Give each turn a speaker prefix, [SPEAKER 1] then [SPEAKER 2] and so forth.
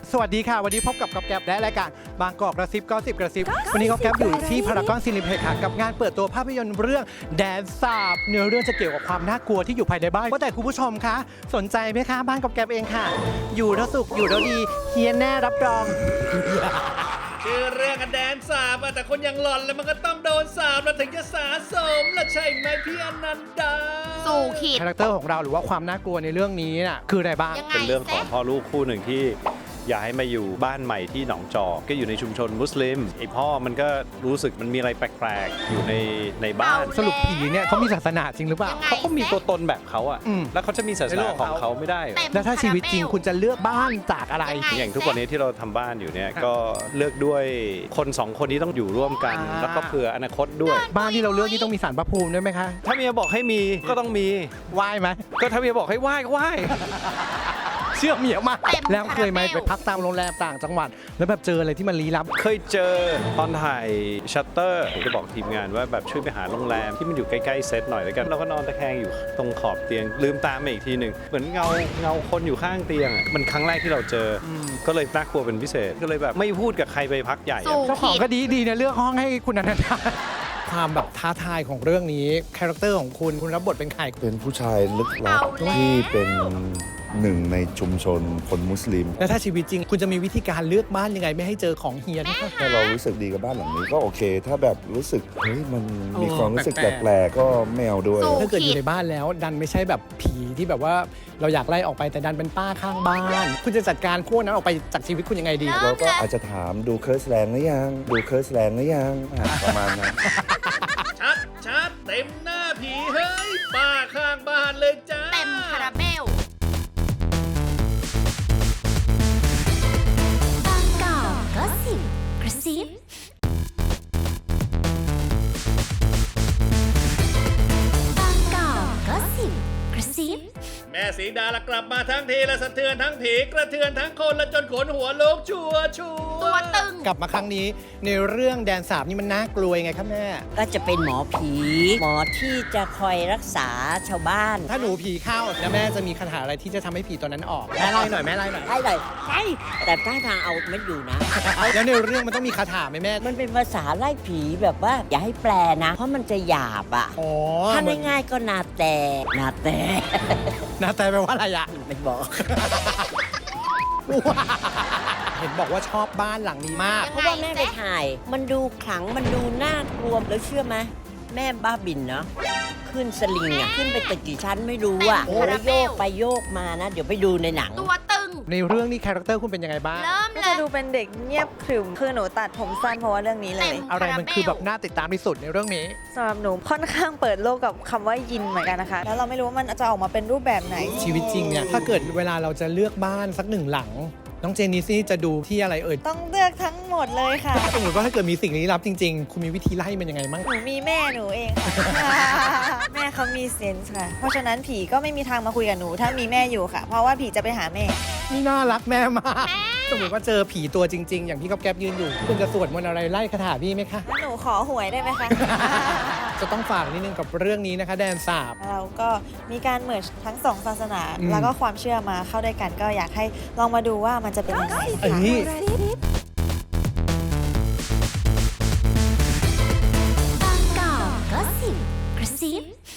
[SPEAKER 1] สวัสดีค่ะวันนี้พบกับก๊อฟแก๊ปและรายการบางกอกกระซิบก็สิบกระซิบวันนี้ก๊อฟแก๊ปอยู่ที่พารากอนซินิเพล็กซ์ค่ะกับงานเปิดตัวภาพยนตร์เรื่องแดนสาบเนื้อเรื่องจะเกี่ยวกับความน่ากลัวที่อยู่ภายในบ้านว่าแต่คุณผู้ชมคะสนใจไหมคะบ้านก๊อฟแก๊ปเองค่ะอยู่แล้วสุขอยู่แล้วดีเฮียแน่รับรอง
[SPEAKER 2] ชื่อเรื่องแดนสาบแต่คนอย่างหล่อนแล้วมันก็ต้องโดนสาบแล้วถึงจะสาสมละใช่ไหมพี่อนันดา
[SPEAKER 3] สู่ขีด
[SPEAKER 1] คาแรคเตอร์ของเราหรือว่าความน่ากลัวในเรื่องนี้น่ะคืออะไรบ้าง
[SPEAKER 3] ยังไง
[SPEAKER 4] เป็นเรื่องของพ่อลูกคู่หนึ่งที่ย้ายมาอยู่บ้านใหม่ที่หนองจอกก็อยู่ในชุมชนมุสลิมไอพ่อมันก็รู้สึกมันมีอะไรแปลกๆอยู่ในบ้าน
[SPEAKER 1] สรุปผีเนี่ยเขามีศาสนาจริงหรือเปล่า
[SPEAKER 3] ยังไง
[SPEAKER 4] เขาก็มีตัวตนแบบเขาอะ
[SPEAKER 1] อืม
[SPEAKER 4] แล้วเขาจะมีศาสนาของเขาไม่ได้
[SPEAKER 3] เต็ม
[SPEAKER 1] แล้วถ้าชีวิตจริงคุณจะเลือกบ้านจากอะไร
[SPEAKER 4] อย่างทุกวันนี้ที่เราทำบ้านอยู่เนี่ยก็เลือกด้วยคนสองคนที่ต้องอยู่ร่วมกัน แล้วก็เผื่ออนาคตด้วย
[SPEAKER 1] บ้านที่เราเลือกนี่ต้องมีศาลพระภูมิด้วยไหมคะ
[SPEAKER 4] ถ้าเมียบอกให้มีก็ต้องมี
[SPEAKER 1] ไหว้ไหม
[SPEAKER 4] ก็ถ้าเมียบอกให้ไหว้ก็ไหว้
[SPEAKER 1] เชื่อเมียมาก
[SPEAKER 3] เต็ม
[SPEAKER 1] แล้วเคยไหม
[SPEAKER 3] คาราเบล
[SPEAKER 1] ไปพักตามโรงแรมต่างจังหวัด แล้วแบบเจออะไรที่มันลี้ลับ
[SPEAKER 4] เคยเจอตอนถ่ายชัตเตอร์ผมจะบอกทีมงานว่าแบบช่วยไปหาโรงแรมที่มันอยู่ใกล้ๆเซตหน่อยแล้วกันเราก็นอนตะแคงอยู่ตรงขอบเตียงลืมตามาอีกทีหนึ่งเหมือนเงาคนอยู่ข้างเตียงอะมันครั้งแรกที่เราเจออก็เลยน่ากลัวเป็นพิเศษก็เลยแบบไม่พูดกับใครไปพักใหญ่อะ
[SPEAKER 3] สู่
[SPEAKER 1] เจ้าของ
[SPEAKER 3] ขีด
[SPEAKER 1] ก็ดีนะเลือกห้องให้คุณอนันดาความแบบท้าทายของเรื่องนี้คาแรคเตอร์ของคุณรับบทเป็นใคร
[SPEAKER 5] เป็นผู้ชายลึกลับ
[SPEAKER 3] เอาแล้ว
[SPEAKER 5] ที่เป็นหนึ่งในชุมชนคนมุสลิม
[SPEAKER 1] แล้วถ้าชีวิตจริงคุณจะมีวิธีการเลือกบ้านยังไงไม่ให้เจอของเฮียน
[SPEAKER 5] ถ้าเรารู้สึกดีกับบ้านหลังนี้ก็โอเค ถ้าแบบรู้สึกเฮ้ยมันมี
[SPEAKER 1] โอ้
[SPEAKER 5] ความรู้สึก
[SPEAKER 1] แป
[SPEAKER 5] แป
[SPEAKER 1] ล
[SPEAKER 5] ล
[SPEAKER 1] ก
[SPEAKER 5] กๆก็ไม่เอาด้วย
[SPEAKER 3] สู้
[SPEAKER 1] ถ้าเกิดอยู่ในบ้านแล้ว ดันไม่ใช่แบบผีที่แบบว่าเราอยากไล่ออกไปแต่ดันเป็นป้าข้างบ้าน คุณจะจัดการพวกนั้นออกไปจากชีวิตคุณยังไงดี
[SPEAKER 5] เราก็อาจจะถามดูเคิร์สแลนด์หรือยังดูเคิร์สแลนด์หรือยังประมาณนั้น
[SPEAKER 2] ชัดเต็มหน้าผีเฮ้ยป้าข้างบ้านเลยจ้า
[SPEAKER 3] เต็มคาราเบล
[SPEAKER 6] บางกอกก็สิบกระซิบางกอกก็สิบกระซิบ
[SPEAKER 2] แม่สีดาละกลับมาทั้งทีละสะเทือนทั้งผีกระเทือนทั้งคนละจนขนหัวลุกชัวร์
[SPEAKER 3] ตัวตึง
[SPEAKER 1] กลับมาครั้งนี้ในเรื่องแดนสาบนี่มันน่ากลัวยังไงครับแม่
[SPEAKER 7] ก็จะเป็นหมอผี หมอที่จะคอยรักษาชาวบ้าน
[SPEAKER 1] ถ้าหนูผีเข้าแล้วแม่จะมีคาถาอะไรที่จะทำให้ผีตัวนั้นออกแม่ไล่หน่อยแม่ไล่หน่อย
[SPEAKER 7] ได้เลยใช่แต่ท่าทางเอาไม่อยู่นะ
[SPEAKER 1] แล้วในเรื่องมันต้องมีคาถาไหมแม่
[SPEAKER 7] มันเป็นภาษาไล่ผีแบบว่า อย่าให้แปลนะ เพราะมันจะหยาบอ่ะ
[SPEAKER 1] อ๋อ
[SPEAKER 7] ถ้าง่ายๆก็นาแต่นาแต่
[SPEAKER 1] นะแต่แปลว่าอะไรอะ
[SPEAKER 7] ไม่บอก
[SPEAKER 1] เห็นบอกว่าชอบบ้านหลังนี้มาก
[SPEAKER 7] เพราะว่าแม่ไปถ่าย มันดูขลังมันดูน่ากลัวแล้วเชื่อไหมแม่บ้าบินเนาะขึ้นสลิงอ่ะขึ้นไปตึกกี่ชั้นไม่รู้อ่ะ
[SPEAKER 3] เต็ม
[SPEAKER 7] แล้วโยกไปโยกมานะ เดี๋ยวไปดูในหนัง
[SPEAKER 3] ตัวตึง
[SPEAKER 1] ในเรื่องนี้คาแรคเตอร์คุณเป็นยังไงบ้าง
[SPEAKER 3] เริ่ม
[SPEAKER 8] ก็
[SPEAKER 3] เล
[SPEAKER 8] จะ
[SPEAKER 3] ย
[SPEAKER 8] ดูเป็นเด็กเงียบขรึมคือหนูตัดผมสั้นเพราะว่าเรื่องนี้เลย
[SPEAKER 3] เต็ม
[SPEAKER 1] อะไรมันคือแบบน่าติดตามที่สุดในเรื่องนี้
[SPEAKER 8] สำหรับหนูค่อนข้างเปิดโลกกับคำว่ายินเหมือนกันนะคะ แล้วเราไม่รู้ว่ามันจะออกมาเป็นรูปแบบไหน
[SPEAKER 1] ชีวิตจริงเนี่ยถ้าเกิดเวลาเราจะเลือกบ้านสักหนึ่งหลัง น้องเจนนิสนี่จะดูที่อะไรเอ่ย
[SPEAKER 8] ต้องเลือกทั้งหมดเลยค่ะ
[SPEAKER 1] สมมติว่าถ้าเกิดมีสิ่งลี้ลับจริงๆ คุณมีวิธีไล่มันยังไงบ้าง
[SPEAKER 8] หนูมีแม่หนูเองค่ะ แม่เขามีเซนส์ค่ะ เพราะฉะนั้นผีก็ไม่มีทางมาคุยกับหนู ถ้ามีแม่อยู่ค่ะ เพราะว่าผีจะไปหาแม่
[SPEAKER 1] นี่น่ารักแม่มากสมมติว่าเจอผีตัวจริง ๆ อย่างพี่ก๊อฟแก๊ปยืนอยู่ คุณจะสวดมนต์อะไรไล่คาถาพี่ไหมคะ
[SPEAKER 8] แล้วหนูขอหวยได้ไหมคะ
[SPEAKER 1] จะต้องฝากนิดนึงกับเรื่องนี้นะคะ แดนสาบ
[SPEAKER 8] เราก็มีการเมิร์ชทั้งสองศาสนา
[SPEAKER 1] อืม
[SPEAKER 8] แล้วก็ความเชื่อมาเข้าด้วยกันก็อยากให้ลองมาดูว่ามันจะเป็นยังไง
[SPEAKER 1] เอ้
[SPEAKER 8] ค่ะ
[SPEAKER 1] ย
[SPEAKER 6] บางกอกก็สิบกระซิบ